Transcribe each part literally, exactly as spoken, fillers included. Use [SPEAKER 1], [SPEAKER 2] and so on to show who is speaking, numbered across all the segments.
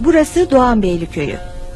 [SPEAKER 1] Burası Doğanbeyli Köyü.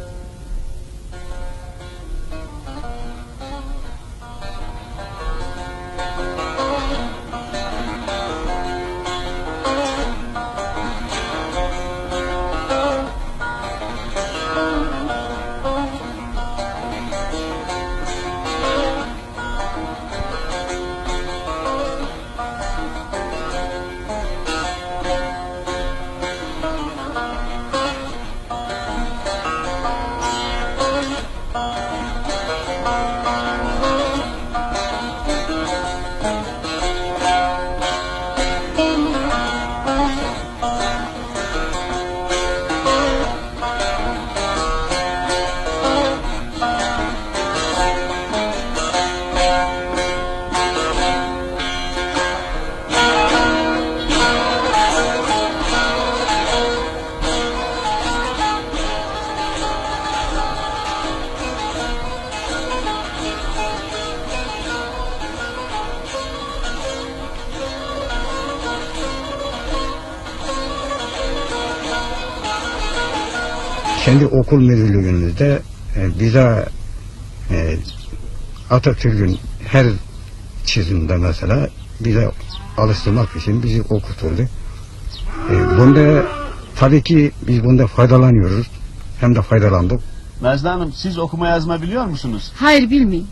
[SPEAKER 2] Kendi okul müdürlüğümüzde e, bize e, Atatürk'ün her çizimde mesela bize alıştırmak için bizi okuturdu. E, bunda tabii ki biz bunda faydalanıyoruz. Hem de faydalandık.
[SPEAKER 3] Nazlı Hanım, siz okuma yazma biliyor musunuz?
[SPEAKER 4] Hayır, bilmiyorum.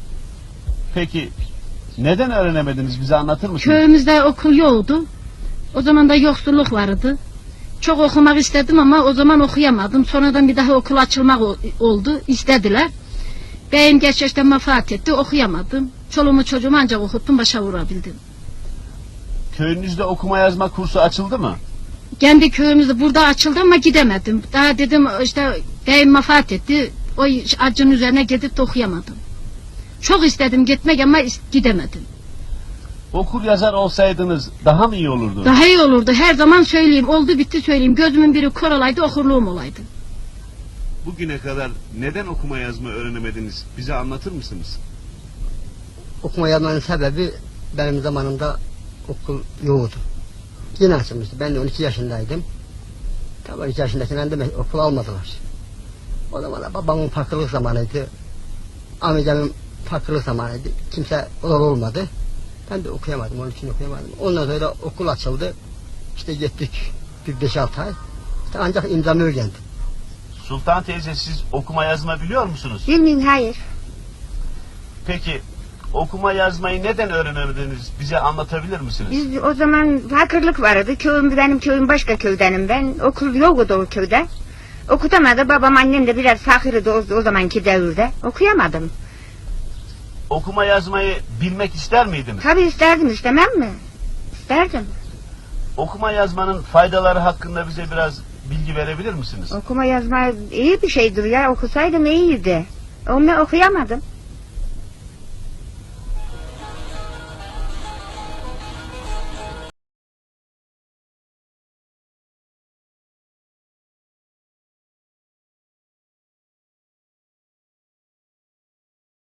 [SPEAKER 3] Peki neden öğrenemediniz, bize anlatır mısınız?
[SPEAKER 4] Köyümüzde okul yoktu. O zaman da yoksulluk vardı. Çok okumak istedim ama o zaman okuyamadım. Sonradan bir daha okul açılmak oldu. İstediler. Beyim geç yaşta vefat etti. Okuyamadım. Çoluğumu çocuğumu ancak okuttum, başa vurabildim.
[SPEAKER 3] Köyünüzde okuma yazma kursu açıldı mı?
[SPEAKER 4] Kendi köyümüzde burada açıldı ama gidemedim. Daha dedim işte beyim vefat etti. O acının üzerine gidip de okuyamadım. Çok istedim gitmek ama gidemedim.
[SPEAKER 3] Okur yazar olsaydınız daha mı iyi olurdu?
[SPEAKER 4] Daha iyi olurdu. Her zaman söyleyeyim. Oldu bitti söyleyeyim. Gözümün biri kör olaydı, okurluğum olaydı.
[SPEAKER 3] Bugüne kadar neden okuma yazma öğrenemediniz? Bize anlatır mısınız?
[SPEAKER 5] Okuma yazmanın sebebi benim zamanımda okul yoktu. Yeni açılmıştı. Ben de on iki yaşındaydım. Tam on iki yaşındayken de okul almadılar. O zaman da babamın fakirlik zamanıydı. Amcamın fakirlik zamanıydı. Kimse oral olmadı. Ben de okuyamadım, onun için okuyamadım. Ondan sonra okul açıldı. İşte gittik bir beş altı ay. İşte ancak imzamı öğrendim.
[SPEAKER 3] Sultan teyze, siz okuma yazma biliyor musunuz?
[SPEAKER 6] Bilmiyorum, hayır.
[SPEAKER 3] Peki okuma yazmayı neden öğrenemediniz? Bize anlatabilir misiniz?
[SPEAKER 6] Biz o zaman fakirlik vardı. Köyüm, benim köyüm başka köydenim ben. Okul yoktu o köyde. Okutamadı. Babam annem de biraz fakirdi o, o zamanki devirde. Okuyamadım.
[SPEAKER 3] Okuma yazmayı bilmek ister miydiniz?
[SPEAKER 6] Tabii isterdim, istemem mi? İsterdim.
[SPEAKER 3] Okuma yazmanın faydaları hakkında bize biraz bilgi verebilir misiniz?
[SPEAKER 6] Okuma yazma iyi bir şeydir ya. Okusaydım iyiydi. Onu okuyamadım.